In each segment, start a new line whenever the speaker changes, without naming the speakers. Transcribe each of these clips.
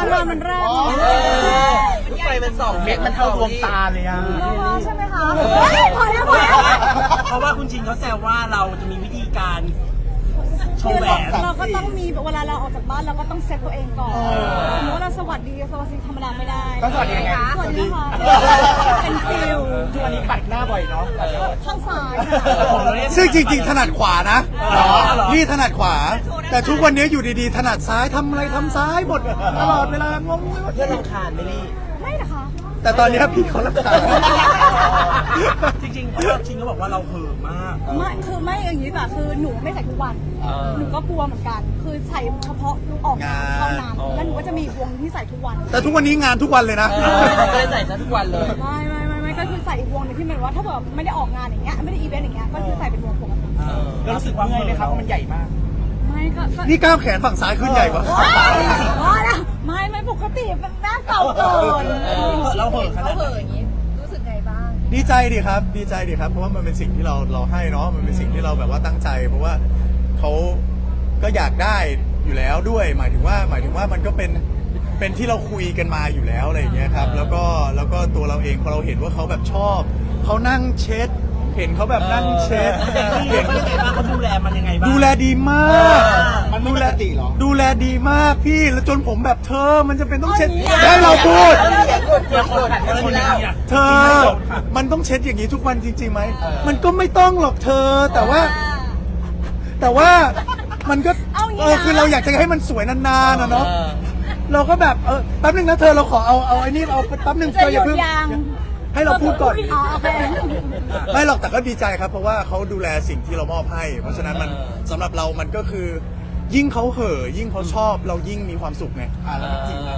มามันแรก
ไฟมันส่องเม็ดมันเท่าดวงตาเลยอ่ะ
ใช่ไหมคะพอแล้ว
เพราะว่าคุณชินเขาแซวว่าเราจะมีวิธีการโชว์แหวน
เราก็ต้องมีเวลาเราออกจากบ้านเราก็ต้องเซ็ตตัวเองก่อนสมมติว่าเราสวัสดีธรรมดาไม่ได้
ก็สวัสดีไง
สวัสดีค่ะเป็นฟิล
ทุกวันนี้ปัดหน้าบ่อยเนาะ
ข้างซ้าย
ซึ่งจริงๆถนัดขวานะนี่ถนัดขวาแต่ทุกวันนี้อยู่ดีๆถนัดซ้ายทำอะไรทำซ้ายหมดตลอดเวลางง
เพื่อนรำคาญไม่รี
ไม่นะคะ
แต่ตอนนี้พี่เขารำคาญ
จริงๆเพราะว่าชินเขาบอกว่าเราเห่อมาก
ไม่อย่างนี้แบบคือหนูไม่ใส่ทุกวันหนูก็กลัวเหมือนกันคือใส่เฉพาะออกงานเท่านั้นแล้วหนูก็จะมีวงที่ใส่ทุกวัน
แต่ทุกวันนี้งานทุกวันเลยนะ
ไม่ใส่ซะทุกวันเลย
ไม่ก็คือใส่อีกวงนึงที่มันว่าถ้าแบบไม่ได้ออกงานอย่างเงี้ยไม่ได้อีเวนต์อย่างเงี้ยก็คือใส่เป็นวงปกติ
แล้วรู้สึกว่าเมื่อยไหมครับเพราะมันใหญ่มาก
ไม่ก็
นี่ก้าวแขนฝั่งซ้ายขึ้นใหญ่กว่า
ไม่ปกติเป็นหน้าเก่าเกิน
เราเห่อขนาด
อย่างนี้รู้สึกไงบ้าง
ดีใจดีครับเพราะว่ามันเป็นสิ่งที่เราให้เนาะมันเป็นสิ่งที่เราแบบว่าตั้งใจเพราะว่าเขาก็อยากได้อยู่แล้วด้วยหมายถึงว่ามันก็เป็นที่เราคุยกันมาอยู่แล้วอะไรอย่างเงี้ยครับแล้วก็ตัวเราเองพอเราเห็นว่าเขาแบบชอบเขานั่งเช็ดเห็นเขาแบบนั่งเช็ด
เห็นเขาดูแลมันยังไงบ้าง
ดูแลดีมาก
มันไม่ปกติหรอ
ดูแลดีมากพี่แล้วจนผมแบบเธอมันจะเป็นต้องเช็ดให้เราพูดเธอมันต้องเช็ดอย่างนี้ทุกวันจริงๆไหมมันก็ไม่ต้องหรอกเธอแต่ว่ามันก็คือเราอยากจะให้มันสวยนานๆนะเนาะเราก็แบบแป๊บนึงนะเธอเราขอเอาไอ้นี่เอาแป๊บนึงเธออย่าเพิ่งให้เราพูดก่อนไม่หรอกแต่ก็ดีใจครับเพราะว่าเขาดูแลสิ่งที่เรามอบให้เพราะฉะนั้นมันสำหรับเรามันก็คือยิ่งเขาเห่อยิ่งเขาชอบเรายิ่งมีความสุขไง
แล้วจริงนะ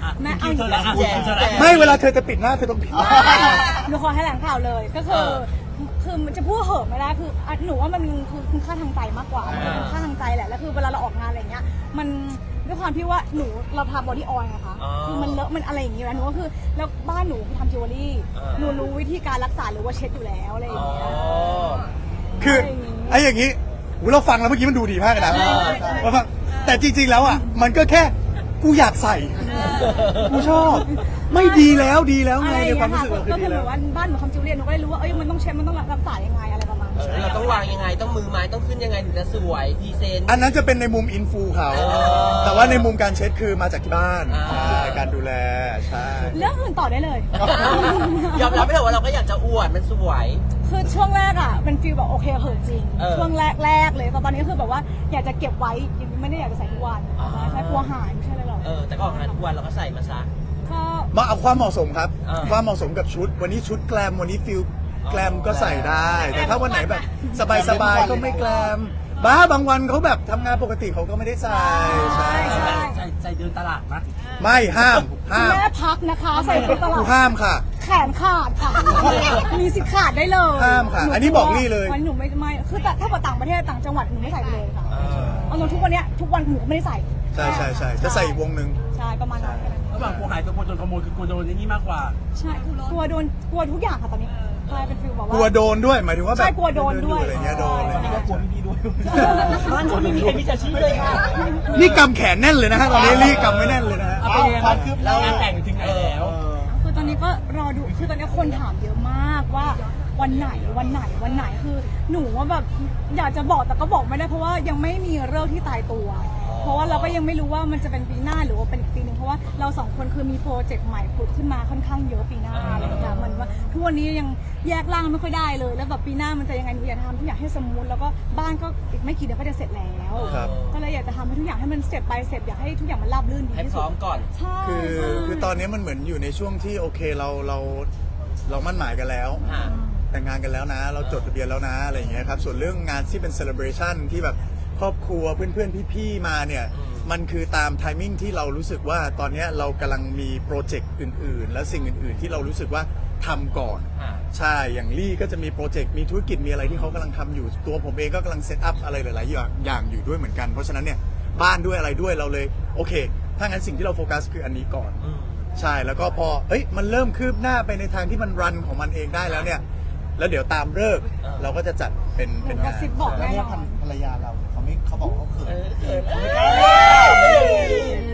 ไม่เวลาเธอจะปิดหน้าเธอต้องปิด
หนูขอให้แหลงข่าวเลยก็คือมันจะพูดเห่อไม่ได้คือหนูว่ามันคือคุณค่าทางใจมากกว่าค่าทางใจแหละแล้วคือเวลาเราออกงานอะไรเงี้ยมันด้วยความที่ว่าเราทำบอดี้ออยล์นะคะคือมันเลอะมันอะไรอย่างเงี้ยหนูก็คือแล้วบ้านหนูทำจิวเวลรี่หนูรู้วิธีการรักษาหรือว่าเช็ดอยู่แล้วอะไรอย่างเงี้ย
คือไอ้อย่างงี้เราฟังแล้วเมื่อกี้มันดูดีมากนะแต่จริงๆแล้วอ่ะมันก็แค่กูอยากใส่กูชอบไม่ดีแล้วไงในความรู้สึกเรา
ก็คือเหมือนว่าบ้านหนูทำจิวเวลรี่หนูก็เลยรู้ว่ามันต้องเช็ดมันต้องรักษายังไงอะไรประมาณนี้
เราต้องวางยังไงต้องมือไม้ต้องขึ้นยังไงถึงจะสวยดีเซน
อันนั้นจะเป็นในมุมอินฟูเขาแต่ว่าในมุมการเช็ดคือมาจากที่บ้านในการดูแลใช่
เรื่องอื่นต่อได้เลย
ยอมรับไม่ได้ว่าเราก็อยากจะอวดมันสวย
คือช่วงแรกอ่ะเป็นฟีลแบบโอเคเหอะจริงช่วงแรกเลยแต่ตอนนี้คือแบบว่าอยากจะเก็บไว้ไม่ได้อยากจะใส่ทุกวันใช่กลัวหายไม่ใช่เลยหรอก
แต่ก็ออกงานทุกวันเราก็ใส่มาซะ
มาเอาความเหมาะสมครับความเหมาะสมกับชุดวันนี้ชุดแกลมวันนี้ฟิลแกลมก็ใส่ได้แต่ถ้าวันไหนแบบสบายก็ไม่แกลมบางวันเขาแบบทำงานปกติเขาก็ไม่ได้ใส่
ใส่เดินตลาดนะ
ไม่ห้าม
แม่พักนะคะใส่ไปตลาด
ห้ามค่ะ
แขนขาดค่ะมีสิทธิ์ขาดได้เลย
ห้ามค่ะอันนี้บอกนี่เลย
วันหนูไม่คือแต่ถ้าไปต่างประเทศต่างจังหวัดหนูไม่ใส่ไปเลยค่ะเอาทุกวันนี้ทุกวันหนูก็ไม่ได้ใส่
ใช่จะใส่อีกวงนึง
ใช่ประมาณนั้น
ระหว่างกลัวหายตัวกลัวโดนขโมยคือกลัวโดนอย่างนี้มากกว่า
ใช่กลัวทุกอย่างค่ะตอนนี้กลายเป็นฟิลแบบว่าก
ลัวโดนด้วยหมายถึงว่าแบบ
ใช่กลัวโดนด้วย
อะไรเงี้ยโดนอะไร
นี่ก็กลัวพี่ด้วยบ้านคนมีมิจฉาชีพเลยค่ะ
นี่กำแขนแน่นเลยนะฮะตอนนี้รีกำไม่แน่นเลยนะฮะ
ความคืบหน้างานแต่งถึงไหนแล้ว
คือตอนนี้ก็รอดูคือตอนนี้คนถามเยอะมากว่าวันไหนคือหนูว่าแบบอยากจะบอกแต่ก็บอกไม่ได้เพราะว่ายังไม่มีฤกษ์ที่ตายตัวเพราะว่าเราก็ยังไม่รู้ว่ามันจะเป็นปีหน้าหรือว่าเป็นอีกปีนึงเพราะว่าเราสองคนคือมีโปรเจกต์ใหม่ผุดขึ้นมาค่อนข้างเยอะปีหน้าอะไรอย่างเงี้ยมันว่าทุกวันนี้ยังแยกร่างไม่ค่อยได้เลยแล้วแบบปีหน้ามันจะยังไงหนูอยากทำทุกอย่างให้สมูทแล้วก็บ้านก็อีกไม่กี่เดือนก็จะเสร็จแล้วก็เลยอยากจะทำให้ทุกอย่างให้มันเสร็จไปเสร็จอยากให้ทุกอย่างมันราบรื่นดีที่สุด
ให้พร้อมก่อน
ใช่
คือตอนนี้มันเหมือนอยู่ในช่วงที่โอเคเรามั่นหมายกันแล้วแต่งงานกันแล้วนะเราจดทะเบียนแล้วนะอะไรอย่างเงี้ยครับส่วนเรื่องงานที่เป็นเซเลบรชันที่แบบครอบครัวเพื่อนๆพี่ๆมาเนี่ยมันคือตามไทมิ่งที่เรารู้สึกว่าตอนนี้เรากำลังมีโปรเจกต์อื่นๆและสิ่งอื่นๆที่เรารู้สึกว่าทำก่อนใช่อย่างลี่ก็จะมีโปรเจกต์มีธุรกิจมีอะไรที่เขากำลังทำอยู่ตัวผมเองก็กำลังเซตอัพอะไรหลายๆอย่างอยู่ด้วยเหมือนกันเพราะฉะนั้นเนี่ยบ้านด้วยอะไรด้วยเราเลยโอเคถ้างั้นสิ่งที่เราโฟกัสคืออันนี้ก่อนใช่แล้วก็พอมันเริ่มคืบหน้าไปในทางที่มันรันของมันเองได้แล้วเนี่ยแล้วเดี๋ยวตามฤกษ์เราก็จะจัดเป็น
กระซิบบอกแน่นอน
ภรรยาเราเขาบอกเขาเขิน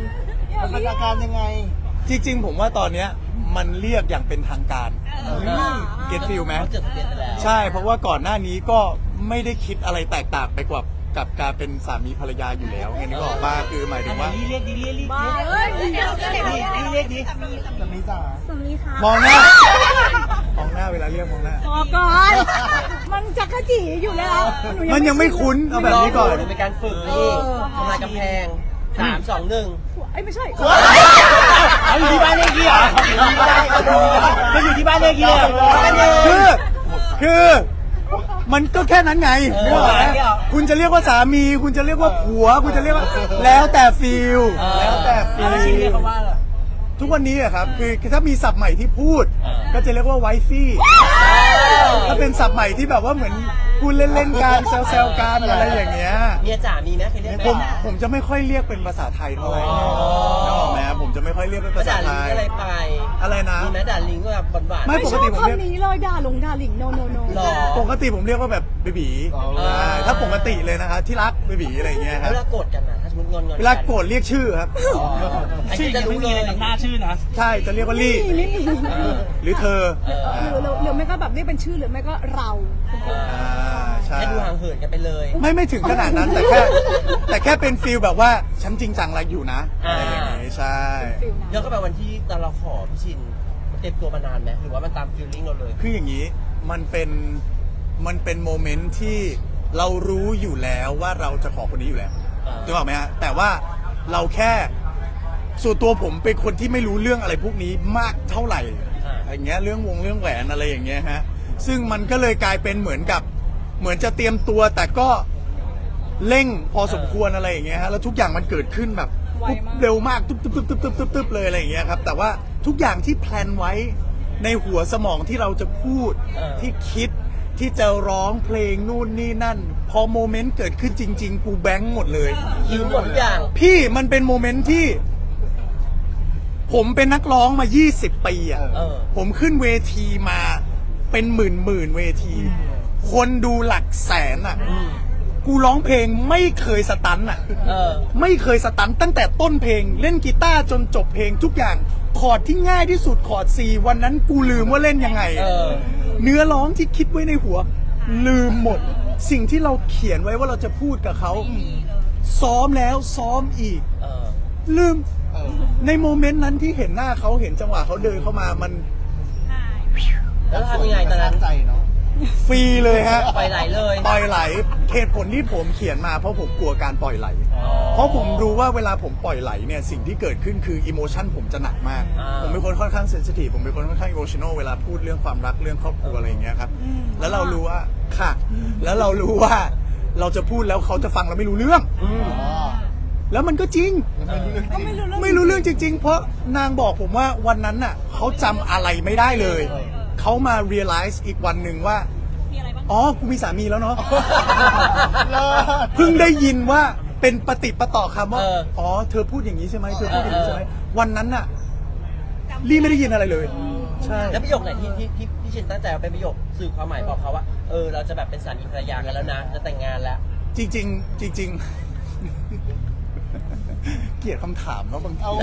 อย่า
มัน
เรีย
อาก การยังไง
จริงๆผมว่าตอนเนี้ยมันเรียกอย่างเป็นทางการเก็ตฟิลไหม
เขาจดทะเบียนไปแล้ว
ใช่เพราะว่าก่อนหน้านี้ก็ไม่ได้คิดอะไรแตกต่างไปกว่ากับการเป็นสามีภรรยาอยู่แล้วไงนึกออกป่ะคือหมายถึงว่า
เรียกดิเรียกดิ
บ้าเอ้ย
เรียกดิ
สามีจ๋า
สามีค่ะ
มองหน้ามองหน้าเวลาเรียกมองหน้า
พอก่อนมันจักรจีอยู่แล้วห
มันยังไม่คุ้นเอาแบบนี้ก่อน
เป็นการฝึกนี่ทำลายกำแพง3 2 1
ไอ้ยไม่ใช่
เขาอยู่ที่บ้านเลขที่เหรอเขาอยู่ที่บ้านเลขที่เหรอ
คือมันก็แค่นั้นไงนึกออกไหมคุณจะเรียกว่าสามี คุณจะเรียกว่าผัว คุณจะเรียกว่าแล้วแต่ฟีลแล้วแต่ฟี
แล้ว
ล
ชิงเรียกเขาว่าอะไร
ทุกวันนี้อะครับคือถ้ามีศัพท์ใหม่ที่พูด ก็จะเรียกว่าไวฟี่ถ้าเป็นศัพท์ใหม่ที่แบบว่าเหมือนพูดเล่นๆกันแซวๆกันอะไรอย่างเงี้ย
เมียจ๋ามีไหมเคยเรียก
ผมจะไม่ค่อยเรียกเป็นภาษาไทยเท่าไหร่นึกออกไหมผมจะไม่ค่อยเรียกเป็นภาษา
ด่า
ไท
ลิง
ย
อะไรไป
อะไรนะ
มีไหมด่าลิงก็แบบหวาน
ไม่
ไม่ชอบคำนี้เลยด่าหลงด่าหลิงโนโนโน
หรอ
ปกติผมเรียกว่าแบบเบบีถ้าปกติเลยนะคะที่รักเบบีอะไรอย่างเงี้ยค
แล้
รั
ว
บ
เวลาโกรธกันนะถ้าสมมติงอน
เวลาโกรธเรียกชื่อครับ
ชื่อจะรู้เลยหน้าชื่อนะ
ใช่จะเรียกว่าลี่
ไม่มี
หรือเธอ
หรือไม่ก็แบบเรียกเป็นชื่อหรือไม่ก็เรา
ใช่
ให้ดูห่างเหินกันไปเลย
ไม่ถึงขนาดนั้นแต่แค่เป็นฟีลแบบว่าฉันจริงจังอะไรอยู่นะอะไรอย่างงี้ใช่
ฟิล
ย้อ
นั้น
นกลับไปวันที่ตอนเราขอพี่ชินมันเต็มตัวมานานไหมหรือว่ามันตามฟีลลิ่งเราเลย
คืออย่างนี้มันเป็นโมเมนต์ที่เรารู้อยู่แล้วว่าเราจะขอคนนี้อยู่แล้วถูกไหมฮะแต่ว่าเราแค่ส่วนตัวผมเป็นคนที่ไม่รู้เรื่องอะไรพวกนี้มากเท่าไหร่อย่างเงี้ยเรื่องแหวนอะไรอย่างเงี้ยฮะซึ่งมันก็เลยกลายเป็นเหมือนจะเตรียมตัวแต่ก็เร่งพอสมควรอะไรอย่างเงี้ยฮะแล้วทุกอย่างมันเกิดขึ้นแบบปุ๊บเร็วมากตุ๊บเลยอะไรอย่างเงี้ยครับแต่ว่าทุกอย่างที่แพลนไว้ในหัวสมองที่เราจะพูดที่คิดที่จะร้องเพลงนู่นนี่นั่น พอโมเมนต์เกิดขึ้นจริงๆกูแบงค์หมดเลย
ลืมหมดทุกอย่าง
พี่มันเป็นโมเมนต์ที่ ผมเป็นนักร้องมา 20 ปีอ่ะ ผมขึ้นเวทีมาเป็นหมื่นเวที คนดูหลักแสนอ่ะ กูร้องเพลงไม่เคยสตันอ่ะ ไม่เคยสตันตั้งแต่ต้นเพลงเล่นกีตาร์จนจบเพลงทุกอย่างคอร์ดที่ง่ายที่สุดคอร์ด C วันนั้นกูลืมว่าเล่นยังไง เนื้อร้องที่คิดไว้ในหัว ลืมหมด สิ่งที่เราเขียนไว้ว่าเราจะพูดกับเขาซ้อมแล้วซ้อมอีกลืมในโมเมนต์นั้นที่เห็นหน้าเขาเห็นจังหวะเขาเดินเข้ามามัน
แล้วทำยังไงตอนนั้น
ใจเนาะ
ฟรีเลยฮะ
ปล่อยไหลเลย
ปล่อยไหลเหตุผลที่ผมเขียนมาเพราะผมกลัวการปล่อยไหล เพราะผมรู้ว่าเวลาผมปล่อยไหลเนี่ยสิ่งที่เกิดขึ้นคืออิโมชันผมจะหนักมาก ผมเป็นคนค่อนข้างเซนซิทีฟผมเป็นคนค่อนข้างอิโมชันอลเวลาพูดเรื่องความรักเรื่องครอบครัวอะไรอย่างเงี้ยครับแล้วเรารู้ว่าค่ะ แล้วเรารู้ว่าเราจะพูดแล้วเขาจะฟังเราไม่รู้เรื่องแล้วมันก็จริง
ก็ไม่รู้เรื่อง
ไม่รู้เรื่องจริง ๆ เพราะนางบอกผมว่าวันนั้นน่ะเขาจำอะไรไม่ได้เลย เขามา realize อีกวันหนึ่งว่าอ๋อกูมีสามีแล้วเนาะ เพิ่งได้ยินว่าเป็นปฏิปต่อคำว่าอ๋อเธอพูดอย่างนี้ใช่ไหมเธอพูดอย่างนี้ใช่ไหมวันนั้นน่ะลี่ไม่ได้ยินอะไรเลย ใช่
แล้วประโยคไหนที่พี่ชินตั้งใจเอาเป็นประโยคสื่อความหมายบอกเขาว่าเราจะแบบเป็นสามีภรรยากันแล้วนะจะแต่งงานแล้ว
จริงๆจริงๆ เกลียดคำถามเนาะบางที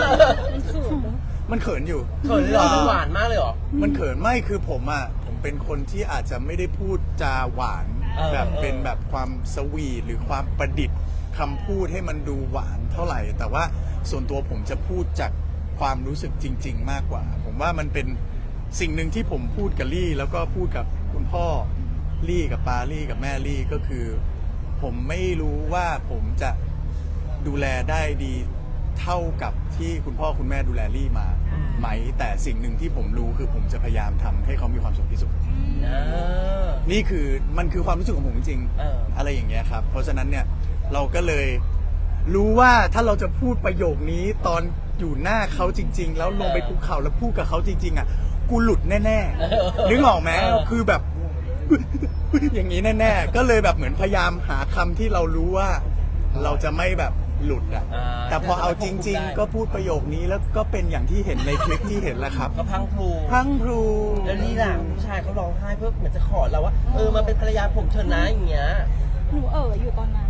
มันเขินอยู่
เขินเลยเหรอมันหวานมากเลยเหรอ
มันเขินไม่คือผมเป็นคนที่อาจจะไม่ได้พูดจาหวานแบบเป็นแบบความสวีทหรือความประดิษฐ์คำพูดให้มันดูหวานเท่าไหร่ แต่ว่าส่วนตัวผมจะพูดจากความรู้สึกจริง ๆ มากกว่า ผมว่ามันเป็นสิ่งหนึ่งที่ผมพูดกับลี่ แล้วก็พูดกับคุณพ่อลี่กับปาลี่กับแม่ลี่ก็คือ ผมไม่รู้ว่าผมจะดูแลได้ดีเท่ากับที่คุณพ่อคุณแม่ดูแลลี่มาไหมแต่สิ่งหนึ่งที่ผมรู้คือผมจะพยายามทำให้เขามีความสุขที่สุดนี่คือมันคือความรู้สึกของผมจริงๆอะไรอย่างเงี้ยครับเพราะฉะนั้นเนี่ยเราก็เลยรู้ว่าถ้าเราจะพูดประโยคนี้ตอนอยู่หน้าเขาจริง ๆ แล้วลงไปคุกเข่าแล้วพูดกับเขาจริงๆอ่ะกูหลุดแน่ๆนึกออกไหมคือแบบ อย่างนี้แน่ๆก็เลยแบบเหมือนพยายามหาคำที่เรารู้ว่าเราจะไม่แบบหลุดอ่ะแต่พอเอาจริง ๆ ก็พูดประโยคนี้แล้วก็เป็นอย่างที่เห็นในคลิปที่เห็นแหละครับ
ก็พังพลู
พังพลู
แล้วนี่ล่ะผู้ชายเขาร้องไห้เพื่อเหมือนจะขอเราว่ามาเป็นภรรยาผมเถอะนะอย่างเงี้ย
หนูอยู่ตอนนั้น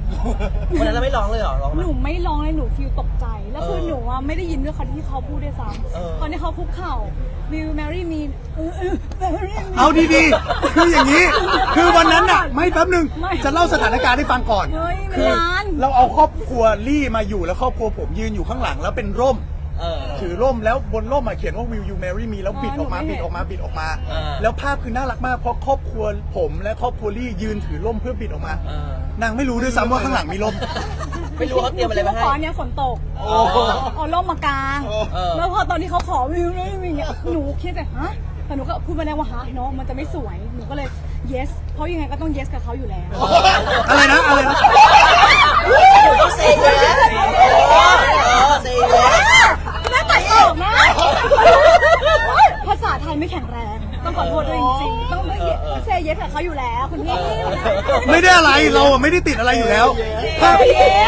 วันนั้นเราไม่ร้องเลยเหรอร้องไหม
หนูไม่ร้องเลยหนูฟีลตกใจ แล้วคือหนูว่าไม่ได้ยินด้วยคำที่เขาพูดด้วยซ้
เออ
ำตอนนี้เขาคุกเข่า will marry me marry me
เอาดีๆ คืออย่างนี้ คือวันนั้นน่ะ ไม่แป๊บหนึง
ไม่
จะเล่าสถานการณ์ให้ฟังก่อน
เฮ้ยมัน
คื
นาน
เราเอาครอบครัวลี่มาอยู่แล้วครอบครัวผมยืนอยู่ข้างหลังแล้วเป็นร่ม ถือร่มแล้วบนร่มเขียนว่า will you marry me แล้วบิดออกมาบิดออกมาบิดออกมา แล้วภาพคือน่ารักมากเพราะครอบครัวผมและครอบครัวลี่ยืนถือร่มเพื่อบิดออกมา นางไม่รู้ด้วยซ้ำว่าข้างหลังมีร่ม
ไม่รู้เขาเตรียมอะไรมาให้
ขอเนี่ยฝนตกเอาร่มมากาง แล้วพอตอนที่เขาขอวิวเลยเนี่ยหนูคิดแต่ฮะแต่หนูก็พูดมาแล้วว่าฮะเนาะมันจะไม่สวยหนูก็เลย yes เพราะยังไงก็ต้อง yes กับเขาอยู่แล้ว
อะไรนะอะไรนะ
อยู่ต้องเซย์เลยเซย์เลย
แม่ตัดออกนะภาษาไทยไม่แข็งแรงต้องขอโทษด้วยจริงๆต้องเซย์ yes กับเขาอยู่แล้วคุณพี่
ไม่ได้อะไรเราอะไม่ได้ติดอะไรอยู่แล้ว ภาพ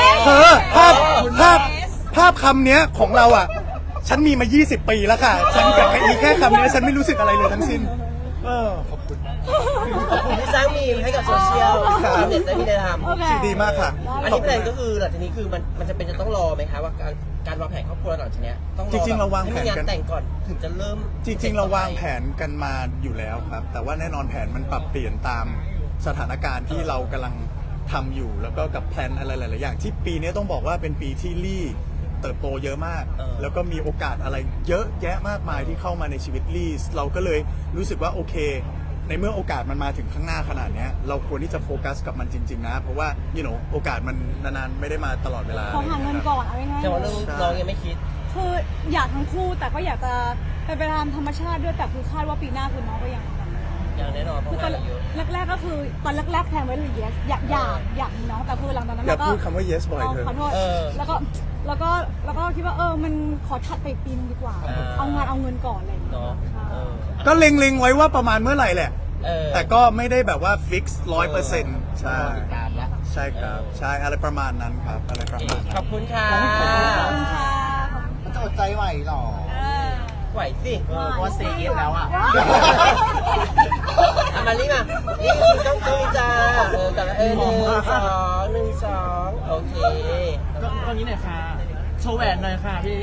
ภาพคำเนี้ยของเราอ่ะ ฉันมีมา 20 ปีแล้วค่ะ ฉันกับอีแค่คำเนี้ยฉันไม่รู้สึกอะไรเลยทั้งสิ้นขอบคุณ
ขอบคุณที่สร้างมีมให้กับโซเชียลชาวเน็ตได้มีได้ทำ
โอเค
ดีมากค่ะ
อันนี้แพลนก็คือหลังจากนี้คือมันจะเป็นจะต้องรอไหมคะว่าการวางแผนครอบครัวหลังจากนี้ต้องรอ
จริงๆเราวางแผน
ให้มีงาน
กัน
แต่งก่อนถึงจะเริ่ม
จริงๆ เราวางแผนกันมาอยู่แล้วครับ แต่ว่าแน่นอนแผนมันปรับเปลี่ยนตามสถานการณ์ที่เรากำลังทำอยู่ แล้วก็กับแพลนอะไรหลายๆอย่างที่ปีนี้ต้องบอกว่าเป็นปีที่ลี่เติบโตเยอะมาก แล้วก็มีโอกาสอะไรเยอะแยะมากมายที่เข้ามาในชีวิตลี่เราก็เลยรู้สึกว่าโอเค ในเมื่อโอกาสมันมาถึงข้างหน้าขนาดเนี้ยเราควรที่จะโฟกัสกับมันจริงๆนะ เพราะว่าโอกาสมันนานๆไม่ได้มาตลอดเวลา
ขอหาเงินก่อนเอาง่ายๆ
แต่ว่าเรื่องน้องยังไม่คิด
คืออยากทั้งคู่แต่ก็อยากจะไปตามธรรมชาติด้วยแต่คือคาดว่าปีหน้าคือน้องก็ยัง
อย่างแน่นอนเพ
คือ
ราะ
ตอน
งานเราเยอะ
แรกๆก็คือตอนแรกๆแพลนไว้เลย yes อยากมีน้องแต่คือหลังจากนั้น
อย่า
เราก็
พูดคำว่า yes บ่อยเถ
ขอ
อะ
โทษแล้วก็คิดว่ามันขอถัดไปอีกปีนึงดีกว่า เอางานเอาเงินก่อนอะไรอย่างเงี้ย
เนาะ
ใช่
ก็เล็งๆไว้ว่าประมาณเมื่อไหร่แหละ แต่ก็ไม่ได้แบบว่าฟิกซ์100%ใช่
ตามละ
ใช่ครับ ใช่อะไรประมาณนั้นครับอะไรประมาณ
ข
นั้
อน บคุณค่ะ
ขอบคุณค่ะ
มันจะอดใจไหวหรอ
ไหวสิ
เพราะว่าเซเยสแล้วอ่ะ
เอามานี่มานี่คือต้องคุยจ้ากับหนึ่งสองโอเค
ตรงนี้หน่อยค่ะ โชว์แหวนหน่อยค่ะพี่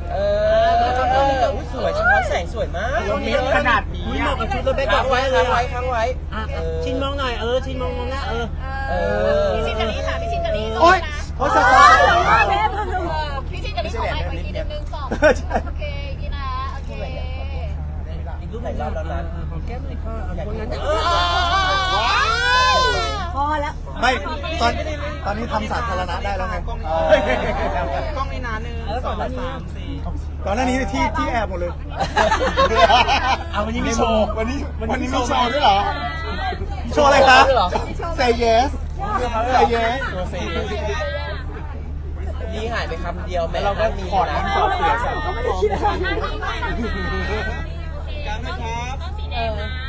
สวยสะท้อนแสงสวยมาก
เม็ดขนาดนี้
เหมาะกับชุดเราไปค้างไว้ค้างไว้
ชินมองหน่อยชินมองหน้า
พี่ชินกับนี้ค่ะพี่ชินกับนี้
โอ๊ยโอ๊ยสะท้อน
พี่ชินกับนี้ขอไลค์ขออีกทีนึง2โอเคอีนะโอเค
อีกรูปไหนรอบแล้วนะ
แก้มเลยค่ะคนนั้น
พอแล้ว
ไม่ตอนนี้ทำสาธารณะได้แล้วไง
กล้องนี่นะ1 2 3 4
ก่อนหน้านี้ที่แอบหมดเลย
เอาวันนี้มีโชว์วันนี้มีโชว์ด้วยเหรอ
โชว์อะไรครับ
Say yes Say yes
นี่หายไปคำเดียวแม้
เราก็
มี
ขอด
นะ
ขอดเสียง
ก็ไม่ได้คิดอะไร
กันนะครับต้องสีแดงนะ